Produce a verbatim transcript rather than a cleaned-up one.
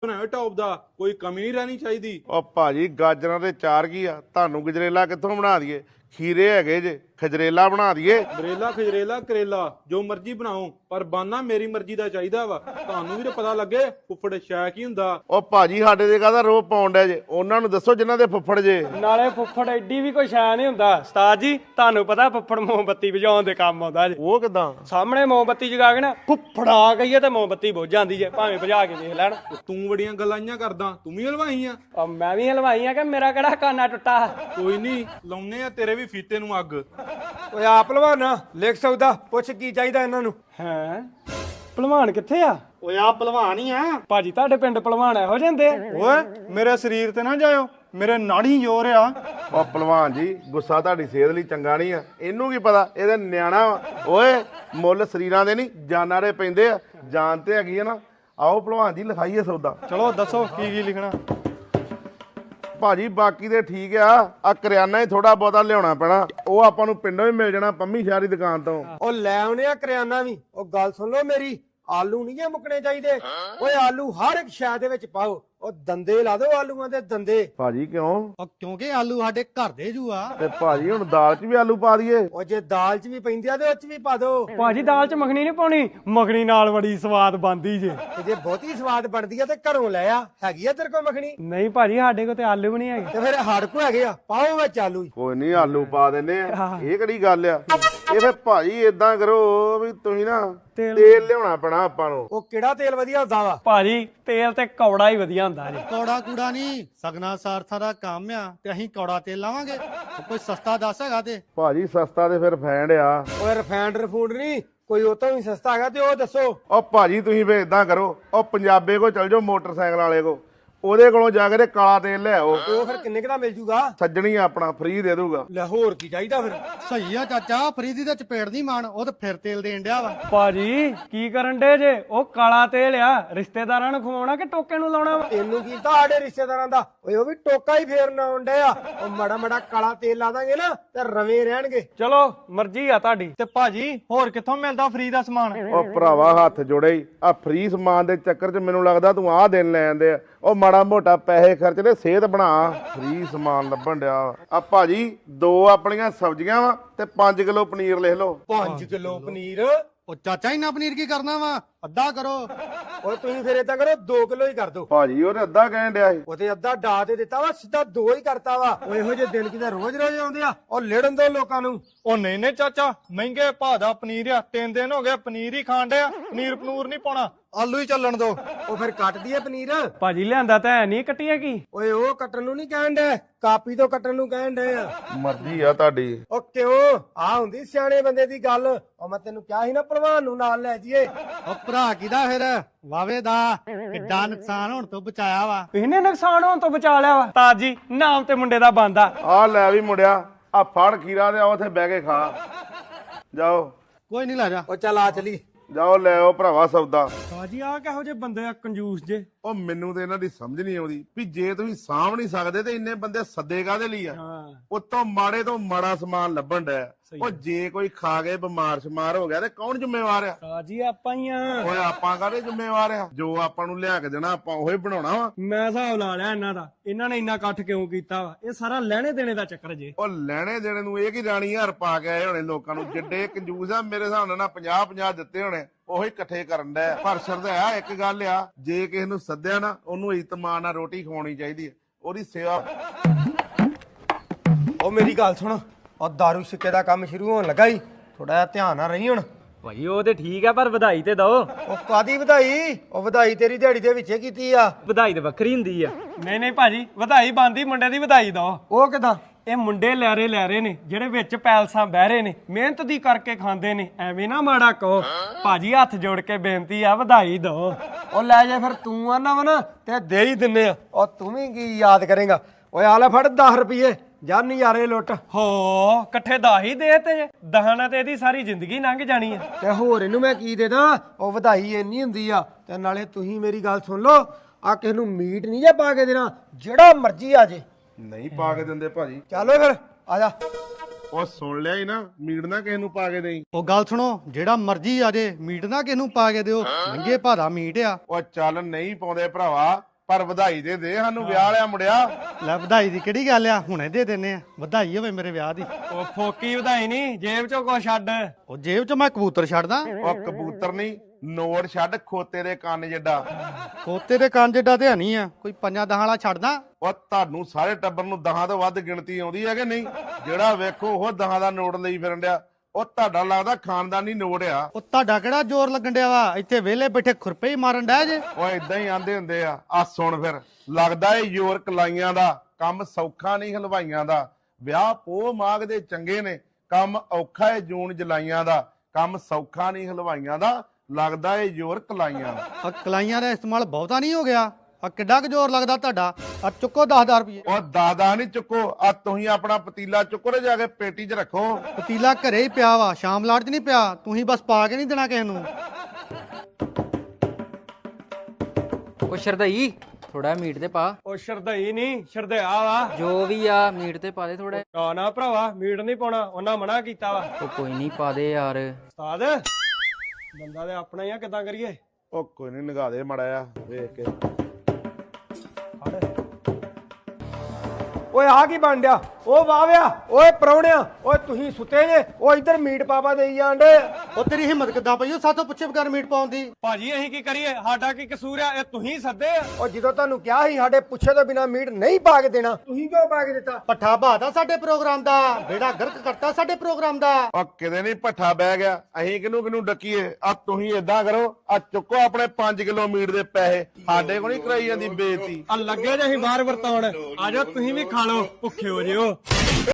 ਬਣਾਓ ਟੌਪ ਦਾ, ਕੋਈ ਕਮੀ ਨਹੀਂ ਰਹਿਣੀ ਚਾਹੀਦੀ। ਉਹ ਭਾਜੀ ਗਾਜਰਾਂ ਦੇ ਚਾਰ ਕੀ ਆ, ਤੁਹਾਨੂੰ ਗਜਰੇਲਾ ਕਿੱਥੋਂ ਬਣਾ ਦਈਏ? ਖੀਰੇ ਹੈਗੇ ਜੇ, ਖਜਰੇਲਾ ਬਣਾ ਦਈਏ। ਬਰੇਲਾ ਖਜਰੇਲਾ ਕਰੇਲਾ ਜੋ ਮਰਜ਼ੀ ਬਣਾਓ, ਪਰ ਬਾਨਾ ਮੇਰੀ ਮਰਜ਼ੀ ਦਾ ਚਾਹੀਦਾ ਵਾ। ਤੁਹਾਨੂੰ ਵੀ ਤਾਂ ਪਤਾ ਲੱਗੇ ਫੁੱਫੜ ਸ਼ੈ ਕੀ ਹੁੰਦਾ। ਉਹ ਭਾਜੀ ਸਾਡੇ ਦੇ ਕਾਹਦਾ ਰੋਹ ਪਾਉਣ ਡਿਆ ਜੇ? ਉਹਨਾਂ ਨੂੰ ਦੱਸੋ ਜਿਨ੍ਹਾਂ ਦੇ ਫੁੱਫੜ ਜੇ। ਨਾਲੇ ਫੁੱਫੜ ਐਡੀ ਵੀ ਕੋਈ ਸ਼ੈ ਨਹੀਂ ਹੁੰਦਾ ਉਸਤਾਦ ਜੀ। ਤੁਹਾਨੂੰ ਪਤਾ ਫੁੱਫੜ ਮੋਮਬੱਤੀ ਬੁਝਾਉਣ ਦੇ ਕੰਮ ਆਉਂਦਾ ਜੇ। ਉਹ ਕਿਦਾਂ? ਸਾਹਮਣੇ ਮੋਮਬੱਤੀ ਜਗਾ ਕੇ ਨਾ ਫੁੱਫੜਾ ਕਹੀਏ ਤੇ ਮੋਮਬੱਤੀ ਬੁਝ ਜਾਂਦੀ ਜੇ, ਭਾਵੇਂ ਬੁਝਾ ਕੇ ਦੇਖ ਲੈਣ। ਤੂੰ ਬੜੀਆਂ ਗੱਲਾਂ ਕਰਦਾ, ਤੂੰ ਵੀ ਹਲਵਾਈ ਆ? ਉਹ ਮੈਂ ਵੀ ਹਲਵਾਈ ਆ ਕਿ ਮੇਰਾ ਕਿਹੜਾ ਕਾਨਾ ਟੁੱਟਾ? ਕੋਈ ਨਹੀਂ, ਲਾਉਨੇ ਆ ਤੇਰੇ ਵੀ ਫੀਤੇ ਨੂੰ ਅੱਗ। ਓਏ ਆ ਭਲਵਾਨਾ ਲਿਖ ਸਕਦਾ, ਪੁੱਛ ਕੀ ਚਾਹੀਦਾ ਇਹਨਾਂ ਨੂੰ। ਹੈਂ ਭਲਵਾਨ ਕਿੱਥੇ ਆ? ਓਏ ਆ ਭਲਵਾਨ ਹੀ ਆ ਭਾਜੀ ਤੁਹਾਡੇ ਪਿੰਡ ਭਲਵਾਨ ਇਹੋ ਜਾਂਦੇ? ਓਏ ਮੇਰੇ ਸਰੀਰ ਤੇ ਨਾ ਜਾਇਓ, ਮੇਰੇ ਨਾੜੀ ਜ਼ੋਰ ਆ। ਉਹ ਭਲਵਾਨ ਜੀ ਗੁੱਸਾ ਤੁਹਾਡੀ ਸਿਹਤ ਲਈ ਚੰਗਾ ਨਹੀਂ ਆ। ਇਹਨੂੰ ਕੀ ਪਤਾ, ਇਹਦੇ ਨਿਆਣਾ ਵਾ। ਓਏ ਮੁੱਲ ਸਰੀਰਾਂ ਦੇ ਨਹੀਂ ਜਾਨਾਂ ਦੇ ਪੈਂਦੇ ਆ। ਜਾਨ ਤੇ ਹੈਗੀ ਆ ਨਾ। ਆਓ ਭਲਵਾਨ ਜੀ ਲਿਖਾਈਏ ਸੌਦਾ। ਚਲੋ ਦੱਸੋ ਕੀ ਕੀ ਲਿਖਣਾ। ਭਾਜੀ ਬਾਕੀ ਤੇ ਠੀਕ ਆ, ਆ ਕਰਿਆਨਾ ਹੀ ਥੋੜਾ ਬਹੁਤਾ ਲਿਆਉਣਾ ਪੈਣਾ। ਉਹ ਆਪਾਂ ਨੂੰ ਪਿੰਡੋਂ ਹੀ ਮਿਲ ਜਾਣਾ, ਪੰਮੀ ਸ਼ਾਹ ਦੀ ਦੁਕਾਨ ਤੋਂ। ਉਹ ਲੈ ਆਉਨੇ ਆ ਕਰਿਆਨਾ ਵੀ। ਉਹ ਗੱਲ ਸੁਣ ਲਓ ਮੇਰੀ, ਆਲੂ ਨਹੀਂ ਜੇ ਮੁੱਕਣੇ ਚਾਹੀਦੇ। ਓਏ ਆਲੂ ਹਰ ਇੱਕ ਸ਼ੈ ਦੇ ਵਿੱਚ ਪਾਓ। ਉਹ ਦੰਦੇ ਲਾ ਦਿਓ ਆਲੂਆਂ ਦੇ ਦੰਦੇ। ਭਾਜੀ ਕਿਉਂ? ਉਹ ਕਿਉਂਕਿ ਆਲੂ ਸਾਡੇ ਘਰ ਦੇ ਜੂ ਆ। ਤੇ ਭਾਜੀ ਹੁਣ ਦਾਲ 'ਚ ਵੀ ਆਲੂ ਪਾ ਦਈਏ? ਉਹ ਜੇ ਦਾਲ 'ਚ ਵੀ ਪੈਂਦੇ ਆ ਤੇ ਉਹ 'ਚ ਵੀ ਪਾ ਦਿਓ। ਭਾਜੀ ਦਾਲ 'ਚ ਮੱਖਣੀ ਨਹੀਂ ਪਾਉਣੀ, ਮੱਖਣੀ ਨਾਲ ਬੜੀ ਸਵਾਦ ਬਣਦੀ ਜੇ। ਤੇ ਜੇ ਬਹੁਤੀ ਸਵਾਦ ਬਣਦੀ ਆ ਤੇ ਘਰੋਂ ਲੈ ਆ। ਹੈਗੀ ਆ ਤੇਰੇ ਕੋਲ ਮੱਖਣੀ? ਨਹੀਂ ਭਾਜੀ ਸਾਡੇ ਕੋਲ ਤੇ ਆਲੂ ਵੀ ਨਹੀਂ ਹੈਗੇ। ਤੇ ਫਿਰ ਸਾਡੇ ਕੋਲ ਹੈਗੇ ਆ, ਪਾਓ ਵਿੱਚ ਆਲੂ। ਕੋਈ ਨਹੀਂ ਆਲੂ ਪਾ ਦਿੰਨੇ ਆ। ਇਹ ਕਿਹੜੀ ਗੱਲ ਆ? ਇਹ ਫਿਰ ਭਾਜੀ ਏਦਾਂ ਕਰੋ ਵੀ ਤੁਸੀਂ ਨਾ ਤੇਲ ਤੇਲ ਲਿਆਉਣਾ ਪੈਣਾ ਆਪਾਂ ਨੂੰ। ਉਹ ਕਿਹੜਾ ਤੇਲ ਵਧੀਆ ਹੁੰਦਾ ਵਾ? ਭਾਜੀ ਤੇਲ ਤੇ ਕੌੜਾ ਹੀ ਵਧੀਆ ਹੁੰਦਾ ਜੀ। ਕੌੜਾ ਕੂੜਾ ਨਹੀਂ, ਸਗਨਾ ਸਾਰਥਾ ਦਾ ਕੰਮ ਆ ਤੇ ਅਸੀਂ ਕੌੜਾ ਤੇਲ ਲਾਵਾਂਗੇ। ਕੋਈ ਸਸਤਾ ਦੱਸ ਹੈਗਾ ਤੇ? ਭਾਜੀ ਸਸਤਾ ਤੇ ਫਿਰ ਫੈਂਡ ਆ। ਓਏ ਰਿਫਾਈਨਡ ਰਫੂਡ ਨਹੀਂ, ਕੋਈ ਉਹ ਤੋਂ ਵੀ ਸਸਤਾ ਹੈਗਾ ਤੇ ਉਹ ਦੱਸੋ। ਉਹ ਭਾਜੀ ਤੁਸੀਂ ਫੇਰ ਏਦਾਂ ਕਰੋ, ਉਹ ਪੰਜਾਬੇ ਕੋ ਚਲ ਜਾਓ ਮੋਟਰਸਾਈਕਲ ਵਾਲੇ ਕੋ, ਉਹਦੇ ਕੋਲੋਂ ਜਾ ਕੇ ਤੇ ਕਾਲਾ ਤੇਲ ਲੈ ਆਓ। ਉਹ ਫਿਰ ਕਿੰਨੇ ਕੁ ਦਾ ਮਿਲ ਜੂਗਾ? ਸੱਜਣੀ ਆਪਣਾ ਫ੍ਰੀ ਦੇ ਦੂਗਾ। ਲੈ ਹੋਰ ਕੀ ਚਾਹੀਦਾ ਫਿਰ? ਸਹੀ ਆ ਚਾਚਾ, ਫਰੀਦੀ ਦੇ ਚਪੇੜ ਨਹੀਂ ਮਾਣ, ਉਹ ਤੇ ਫਿਰ ਤੇਲ ਦੇਣ ਡਿਆ ਵਾ। ਭਾਜੀ ਕੀ ਕਰਨ ਡੇ ਜੇ? ਉਹ ਕਾਲਾ ਤੇਲ ਆ, ਰਿਸ਼ਤੇਦਾਰਾਂ ਨੂੰ ਖਵਾਉਣਾ ਕਿ ਟੋਕੇ ਨੂੰ ਲਾਉਣਾ ਵਾ? ਤੈਨੂੰ ਕੀ ਤਾਂ ਸਾਡੇ ਰਿਸ਼ਤੇਦਾਰਾਂ ਦਾ? ਓਏ ਉਹ ਵੀ ਟੋਕਾ ਹੀ ਫੇਰਨ ਆਉਂਦੇ ਆ। ਉਹ ਮੜਾ ਮੜਾ ਕਾਲਾ ਤੇਲ ਲਾ ਦਾਂਗੇ ਨਾ ਤੇ ਰਵੇਂ ਰਹਿਣਗੇ। ਚਲੋ ਮਰਜ਼ੀ ਆ ਤੁਹਾਡੀ। ਤੇ ਭਾਜੀ ਹੋਰ ਕਿੱਥੋਂ ਮਿਲਦਾ ਫ੍ਰੀ ਦਾ ਸਮਾਨ? ਉਹ ਭਰਾਵਾ ਹੱਥ ਜੋੜੇ ਹੀ, ਆ ਫ੍ਰੀ ਸਮਾਨ ਦੇ ਚੱਕਰ 'ਚ ਮੈਨੂੰ ਲੱਗਦਾ ਤੂੰ ਆਹ ਦਿਨ ਲੈ ਜਾਂਦੇ ਆ। ਉਹ ਮਾੜਾ ਮੋਟਾ ਪੈਸੇ ਖਰਚ ਲੈ, ਸਿਹਤ ਬਣਾ। ਫ੍ਰੀ ਸਮਾਨ ਲੱਭਣ ਡਿਆ। ਆ ਭਾਜੀ ਦੋ ਆਪਣੀਆਂ ਸਬਜ਼ੀਆਂ ਵਾ ਤੇ ਪੰਜ ਕਿਲੋ ਪਨੀਰ ਲਿਖ ਲਓ। ਪੰਜ ਕਿਲੋ ਪਨੀਰ? ਉਹ ਚਾਚਾ ਇੰਨਾ ਪਨੀਰ ਕੀ ਕਰਨਾ ਵਾ? ਅੱਧਾ ਕਰੋ। ਓਏ ਤੁਸੀਂ ਫਿਰ ਏਦਾਂ ਕਰੋ, ਦੋ ਕਿਲੋ ਹੀ ਕਰ ਦਿਓ। ਭਾਜੀ ਉਹਨੇ ਅੱਧਾ ਕਹਿਣ ਡਿਆ ਸੀ। ਉਹਦੇ ਅੱਧਾ ਡਾ ਤੇ ਦਿੱਤਾ ਵਾ, ਸਿੱਧਾ ਦੋ ਹੀ ਕਰਤਾ ਵਾ। ਉਹ ਇਹੋ ਜਿਹੇ ਦਿਨ ਕਿਤੇ ਰੋਜ਼ ਰੋਜ਼ ਆਉਂਦੇ ਆ। ਉਹ ਲੜਨ ਦੋ ਲੋਕਾਂ ਨੂੰ। ਉਹ ਨਹੀਂ ਨਹੀਂ ਚਾਚਾ, ਮਹਿੰਗੇ ਭਾਅ ਦਾ ਪਨੀਰ ਆ। ਤਿੰਨ ਦਿਨ ਹੋ ਗਏ ਪਨੀਰ ਹੀ ਖਾਣ ਡਿਆ। ਪਨੀਰ ਪਨੂਰ ਨਹੀਂ ਪਾਉਣਾ, ਆਲੂ ਹੀ ਚੱਲਣ ਦੋ। ਉਹ ਫਿਰ ਕੱਟ ਦਈਏ ਪਨੀਰ? ਭਾਜੀ ਲਿਆਂਦਾ ਤਾਂ ਹੈ ਨਹੀਂ, ਕੱਟੀਏ ਕੀ? ਓਏ ਉਹ ਕੱਟਣ ਨੂੰ ਨਹੀਂ ਕਹਿਣ ਡੇ, ਕਾਪੀ ਤੋਂ ਕੱਟਣ ਨੂੰ ਕਹਿਣ ਡੇ ਆ। ਮਰਜ਼ੀ ਆ ਤੁਹਾਡੀ। ਉਹ ਕਿਉਂ? ਆ ਹੁੰਦੀ ਸਿਆਣੇ ਬੰਦੇ ਦੀ ਗੱਲ। ਉਹ ਮੈਂ ਤੈਨੂੰ ਕਿਹਾ ਸੀ ਨਾ ਭਲਵਾਨ ਨੂੰ ਨਾਲ ਲੈ ਜਾਈਏ। ਉਹ ਭਰਾ ਕਿਦਾ ਫਿਰ? ਵਾਵੇ ਦਾ ਕਿੱਡਾ ਨੁਕਸਾਨ ਹੋਣ ਤੋਂ ਬਚਾਇਆ ਵਾ। ਇਹਨੇ ਨੁਕਸਾਨ ਹੋਣ ਤੋਂ ਬਚਾ ਲਿਆ ਵਾ। ਤਾਜ ਜੀ ਨਾਮ ਤੇ ਮੁੰਡੇ ਦਾ ਬੰਦਾ। ਆ ਲੈ ਵੀ ਮੁੰਡਿਆ, ਆ ਫੜ ਖੀਰਾ ਤੇ ਆ ਉੱਥੇ ਬਹਿ ਕੇ ਖਾ। ਜਾਓ ਕੋਈ ਨਹੀਂ ਲੈ ਜਾ। ਉਹ ਚੱਲ ਆ ਚਲੀ। ਜਾਓ ਲੈ ਆਓ ਭਰਾਵਾ ਸੌਦਾ। ਤਾਜੀ ਆ ਕਿਹੋ ਜਿਹੇ ਬੰਦੇ ਆ ਕੰਜੂਸ ਜੇ। ਉਹ ਮੈਨੂੰ ਤੇ ਇਹਨਾਂ ਦੀ ਸਮਝ ਨਹੀਂ ਆਉਂਦੀ ਵੀ ਜੇ ਤੁਸੀਂ ਸਾਂਭ ਨਹੀਂ ਸਕਦੇ ਤੇ ਇੰਨੇ ਬੰਦੇ ਸੱਦੇ ਕਾਹਦੇ ਲਈ ਆ? ਉਤੋਂ ਮਾੜੇ ਤੋਂ ਮਾੜਾ ਸਮਾਨ ਲੱਭਣ ਡਿਆ। ਉਹ ਜੇ ਕੋਈ ਖਾ ਕੇ ਬਿਮਾਰ ਸ਼ਮਾਰ ਹੋ ਗਿਆ ਤੇ ਕੌਣ ਜ਼ਿੰਮੇਵਾਰ ਆ? ਤਾਜੀ ਆਪਾਂ ਹੀ ਆ। ਓਏ ਆਪਾਂ ਕਾਹਦੇ ਜ਼ਿੰਮੇਵਾਰ ਆ? ਜੋ ਆਪਾਂ ਨੂੰ ਲਿਆ ਕੇ ਦੇਣਾ ਆਪਾਂ ਉਹੀ ਬਣਾਉਣਾ ਵਾ। ਮੈਂ ਹਿਸਾਬ ਲਾ ਲਿਆ ਇਹਨਾਂ ਦਾ। ਇਹਨਾਂ ਨੇ ਇੰਨਾ ਇਕੱਠ ਕਿਉਂ ਕੀਤਾ ਵਾ? ਇਹ ਸਾਰਾ ਲੈਣੇ ਦੇਣੇ ਦਾ ਚੱਕਰ ਜੇ। ਉਹ ਲੈਣੇ ਦੇਣੇ ਨੂੰ ਇਹ ਕੀ ਰਾਣੀ ਹਰ ਪਾ ਕੇ ਆਏ ਹੋਣੇ ਲੋਕਾਂ ਨੂੰ। ਜਿੱਡੇ ਕੰਜੂਸ ਆ ਮੇਰੇ ਹਿਸਾਬ ਨਾਲ ਨਾ ਪੰਜਾਹ ਪੰਜਾਹ ਦਿੱਤੇ ਹੋਣੇ, ਉਹੀ ਇਕੱਠੇ ਕਰਨ ਡਿਆ। ਪਰ ਸ਼ਰਧਾ ਇੱਕ ਗੱਲ ਆ, ਜੇ ਕਿਸੇ ਨੂੰ ਸੱਦਿਆ ਨਾ ਉਹਨੂੰ ਇਤਮਾਨ ਨਾਲ ਰੋਟੀ ਖਵਾਉਣੀ ਚਾਹੀਦੀ ਹੈ, ਉਹਦੀ ਸੇਵਾ। ਉਹ ਮੇਰੀ ਗੱਲ ਸੁਣ, ਉਹ ਦਾਰੂ ਸਿੱਕੇ ਦਾ ਕੰਮ ਸ਼ੁਰੂ ਹੋਣ ਲੱਗਾ ਈ, ਥੋੜਾ ਜਿਹਾ ਧਿਆਨ ਨਾਲ ਰਹੀ ਹੁਣ। ਭਾਈ ਉਹ ਤੇ ਠੀਕ ਆ, ਪਰ ਵਧਾਈ ਤੇ ਦੋ। ਉਹ ਕਾਦੀ ਵਧਾਈ? ਉਹ ਵਧਾਈ ਤੇਰੀ ਦਿਹਾੜੀ ਦੇ ਵਿੱਚੇ ਕੀਤੀ ਆ। ਵਧਾਈ ਤੇ ਵੱਖਰੀ ਹੁੰਦੀ ਆ। ਨਹੀਂ ਨਹੀਂ ਭਾਜੀ, ਵਧਾਈ ਬੰਦੀ ਮੁੰਡੇ ਦੀ ਵਧਾਈ ਦੋ। ਉਹ ਕਿਦਾਂ? ਇਹ ਮੁੰਡੇ ਲੈਰੇ ਲੈਰੇ ਨੇ ਜਿਹੜੇ ਵਿੱਚ ਪੈਲਸਾਂ ਬਹਿ ਰਹੇ ਨੇ, ਮਿਹਨਤ ਦੀ ਕਰਕੇ ਖਾਂਦੇ ਨੇ। ਐਵੇਂ ਨਾ ਮਾੜਾ ਕਹੋ ਭਾਜੀ, ਹੱਥ ਜੋੜ ਕੇ ਬੇਨਤੀ ਆ, ਵਧਾਈ ਦੋ। ਉਹ ਲੈ ਜਾ ਫਿਰ, ਤੂੰ ਆਨਾ ਵਾ ਨਾ ਤੇ ਦੇ ਹੀ ਦਿੰਨੇ ਆ। ਉਹ ਤੂੰ ਵੀ ਕੀ ਯਾਦ ਕਰੇਗਾ? ਓਏ ਆ ਲੈ ਫੜ ਦਸ ਰੁਪਏ, ਜਾ ਨਜ਼ਾਰੇ ਲੁੱਟ। ਹੋ ਇਕੱਠੇ ਦਸ ਹੀ ਦੇ ਤੇ ਦਹਾਨਾ ਤੇ ਇਹਦੀ ਸਾਰੀ ਜ਼ਿੰਦਗੀ ਲੰਘ ਜਾਣੀ ਆ। ਤੇ ਹੋਰ ਇਹਨੂੰ ਮੈਂ ਕੀ ਦੇ ਦਾਂ? ਉਹ ਵਧਾਈ ਇੰਨੀ ਹੁੰਦੀ ਆ। ਤੇ ਨਾਲੇ ਤੁਸੀਂ ਮੇਰੀ ਗੱਲ ਸੁਣ ਲਓ, ਆ ਕਿਸੇ ਨੂੰ ਮੀਟ ਨਹੀਂ ਜੇ ਪਾ ਕੇ ਦੇਣਾ, ਜਿਹੜਾ ਮਰਜ਼ੀ ਆ ਜੇ। ਨਹੀਂ ਪਾ ਕੇ ਦਿੰਦੇ ਭਾਜੀ। ਚੱਲ ਓਏ ਫਿਰ ਆ ਜਾ। ਉਹ ਸੁਣ ਲਿਆ ਹੀ ਨਾ, ਮੀਟ ਨਾ ਕਿਸੇ ਨੂੰ ਪਾ ਕੇ ਦੇਈ। ਉਹ ਗੱਲ ਸੁਣੋ, ਜਿਹੜਾ ਮਰਜ਼ੀ ਆ ਜੇ, ਮੀਟ ਨਾ ਕਿਸ ਨੂੰ ਪਾ ਕੇ ਦਿਓ। ਮਹਿੰਗੇ ਭਾਰਾ ਮੀਟ ਆ। ਉਹ ਚੱਲ ਨਹੀਂ ਪਾਉਂਦੇ ਭਰਾਵਾ, ਪਰ ਵਧਾਈ ਦੇ ਦੇ ਸਾਨੂੰ ਵਿਆਹ ਵਾਲਿਆ ਮੁੰਡਿਆ। ਲੈ ਵਧਾਈ ਦੀ ਕਿਹੜੀ ਗੱਲ ਆ, ਹੁਣੇ ਦੇ ਦਿੰਨੇ ਆ। ਵਧਾਈ ਹੋਵੇ ਮੇਰੇ ਵਿਆਹ ਦੀ। ਉਹ ਫੋਕੀ ਵਧਾਈ ਨਹੀਂ, ਜੇਬ ਚੋਂ ਕੁਛ ਛੱਡ। ਉਹ ਜੇਬ 'ਚ ਮੈਂ ਕਬੂਤਰ ਛੱਡਦਾ। ਉਹ ਕਬੂਤਰ ਨਹੀਂ, ਨੋਟ ਛੱਡ ਖੋਤੇ ਦੇ ਕੰਨ ਜਿੱਡਾ। ਖੋਤੇ ਦੇ ਕੰਨ ਜਿੱਡਾ ਤੇ ਹਣੀ ਆ, ਕੋਈ ਪੰਜਾਂ ਦਹਾਂ ਵਾਲਾ ਛੱਡਦਾ। ਉਹ ਤੁਹਾਨੂੰ ਸਾਰੇ ਟੱਬਰ ਨੂੰ ਦਹਾਂ ਤੋਂ ਵੱਧ ਗਿਣਤੀ ਆਉਂਦੀ ਹੈ ਕਿ ਨਹੀਂ? ਜਿਹੜਾ ਵੇਖੋ ਉਹ ਦਹਾਂ ਦਾ ਨੋਟ ਲਈ ਫਿਰਨ ਡਿਆ। ਉਹ ਤੁਹਾਡਾ ਲੱਗਦਾ ਖਾਨਦਾਨੀ ਨੋਟ ਆ। ਉਹ ਤੁਹਾਡਾ ਕਿਹੜਾ ਜ਼ੋਰ ਲੱਗਣ ਡਿਆ ਵਾ? ਇੱਥੇ ਵਿਹਲੇ ਬੈਠੇ ਖੁਰਪੇ ਹੀ ਮਾਰਨ ਡਿਆ ਜੇ। ਉਹ ਇਦਾਂ ਹੀ ਆਂਦੇ ਹੁੰਦੇ ਆ। ਆ ਸੁਣ ਫਿਰ, ਲੱਗਦਾ ਏ ਜ਼ੋਰ ਕਲਾਈਆਂ ਦਾ, ਕੰਮ ਸੌਖਾ ਨਹੀਂ ਹਲਵਾਈਆਂ ਦਾ। ਵਿਆਹ ਪੋਹ ਮਾਘ ਦੇ ਚੰਗੇ ਨੇ, ਕੰਮ ਔਖਾ ਏ ਜੂਨ ਜੁਲਾਈਆਂ ਦਾ। ਕੰਮ ਸੌਖਾ ਨਹੀਂ ਹਲਵਾਈਆਂ ਦਾ, ਲੱਗਦਾ ਏ ਜ਼ੋਰ ਕਲਾਈਆਂ ਦਾ। ਆ ਕਲਾਈਆਂ ਦਾ ਇਸਤੇਮਾਲ ਬਹੁਤਾ ਨਹੀਂ ਹੋ ਗਿਆ? ਆ ਕਿੱਡਾ ਕੁ ਜ਼ੋਰ ਲੱਗਦਾ ਤੁਹਾਡਾ? ਆ ਚੁੱਕੋ ਦਸ ਹਜ਼ਾਰ ਰੁਪਏ। ਉਹ ਦਾਦਾ ਨਹੀਂ ਚੁੱਕੋ, ਆ ਤੁਸੀਂ ਆਪਣਾ ਪਤੀਲਾ ਚੁੱਕੋ ਤੇ ਜਾ ਕੇ ਪੇਟੀ 'ਚ ਰੱਖੋ। ਪਤੀਲਾ ਘਰੇ ਹੀ ਪਿਆ ਵਾ, ਸ਼ਾਮ ਲਾਟ 'ਚ ਨਹੀਂ ਪਿਆ। ਤੁਸੀਂ ਬਸ ਪਾ ਕੇ ਨਹੀਂ ਦੇਣਾ ਕਿਸੇ ਨੂੰ। ਉਹ ਸ਼ਰਦਈ ਥੋੜਾ ਮੀਟ ਤੇ ਪਾ। ਉਹ ਸ਼ਰਦਈ ਨਹੀਂ, ਸ਼ਰਦਿਆ ਵਾ। ਜੋ ਵੀ ਆ ਮੀਟ ਤੇ ਪਾ ਦੇ ਥੋੜਾ। ਨਾ ਨਾ ਭਰਾਵਾ, ਮੀਟ ਨਹੀਂ ਪਾਉਣਾ, ਉਹਨਾਂ ਮਨਾ ਕੀਤਾ ਵਾ। ਉਹ ਕੋਈ ਨਹੀਂ ਪਾ ਦੇ ਯਾਰ। ਉਸਤਾਦ ਬੰਦਾ ਤੇ ਆਪਣਾ ਹੀ ਆ, ਕਿੱਦਾਂ ਕਰੀਏ? ਉਹ ਕੋਈ ਨਹੀਂ, ਨਿਗਾਹ ਦੇ ਮੜਾ ਆ ਵੇਖ ਕੇ। ਓਏ ਆ ਕੀ ਬਣ ਡਿਆ? ਉਹ ਵਾਵਿਆ, ਓਏ ਪਰੌਣਿਆ, ਓਏ ਤੁਸੀਂ ਸੁੱਤੇ ਜੇ? ਉਹ ਇੱਧਰ ਮੀਟ ਪਾਪਾ ਦੇਈ ਜਾਂਦੇ। ਉਹ ਤੇਰੀ ਹਿੰਮਤ ਕਿੱਦਾਂ ਪਈ ਉਹ ਸਾਥੋਂ ਪੁੱਛੇ ਬਗੈਰ ਮੀਟ ਪਾਉਣ ਦੀ? ਭਾਜੀ ਅਸੀਂ ਕੀ ਕਰੀਏ? ਸਾਡਾ ਕੀ ਕਸੂਰ ਆ? ਇਹ ਤੁਸੀਂ ਸੱਦੇ ਆ। ਉਹ ਜਦੋਂ ਤੁਹਾਨੂੰ ਕਿਹਾ ਸੀ ਸਾਡੇ ਪੁੱਛੇ ਤੋਂ ਬਿਨਾ ਮੀਟ ਨਹੀਂ ਪਾ ਕੇ ਦੇਣਾ, ਤੁਸੀਂ ਕਿਉਂ ਪਾ ਕੇ ਦਿੱਤਾ? ਪੱਠਾ ਬਾਦਾ ਸਾਡੇ ਪ੍ਰੋਗਰਾਮ ਦਾ, ਬੇੜਾ ਗਰਕ ਕਰਤਾ ਸਾਡੇ ਪ੍ਰੋਗਰਾਮ ਦਾ। ਉਹ ਕਿਤੇ ਨਹੀਂ ਭੱਠਾ ਬਹਿ ਗਿਆ। ਅਸੀਂ ਕਿਹਨੂੰ ਕਿਹਨੂੰ ਡੱਕੀਏ? ਆ ਤੁਸੀਂ ਏਦਾਂ ਕਰੋ, ਆ ਚੁੱਕੋ ਆਪਣੇ ਪੰਜ ਕਿਲੋ ਮੀਟ ਦੇ ਪੈਸੇ। ਸਾਡੇ ਕੋਲ ਨਹੀਂ ਕਰਾਈ ਜਾਂਦੀ ਬੇਇੱਜ਼ਤੀ। ਆ ਲੱਗੇ ਜੇ ਅਸੀਂ ਬਾਹਰ ਵਰਤਾਉਣ। ਆ ਜਾਓ ਤੁਸੀਂ ਵੀ ਖਾ ਲਓ, ਭੁੱਖੇ ਹੋ ਜਿਓ।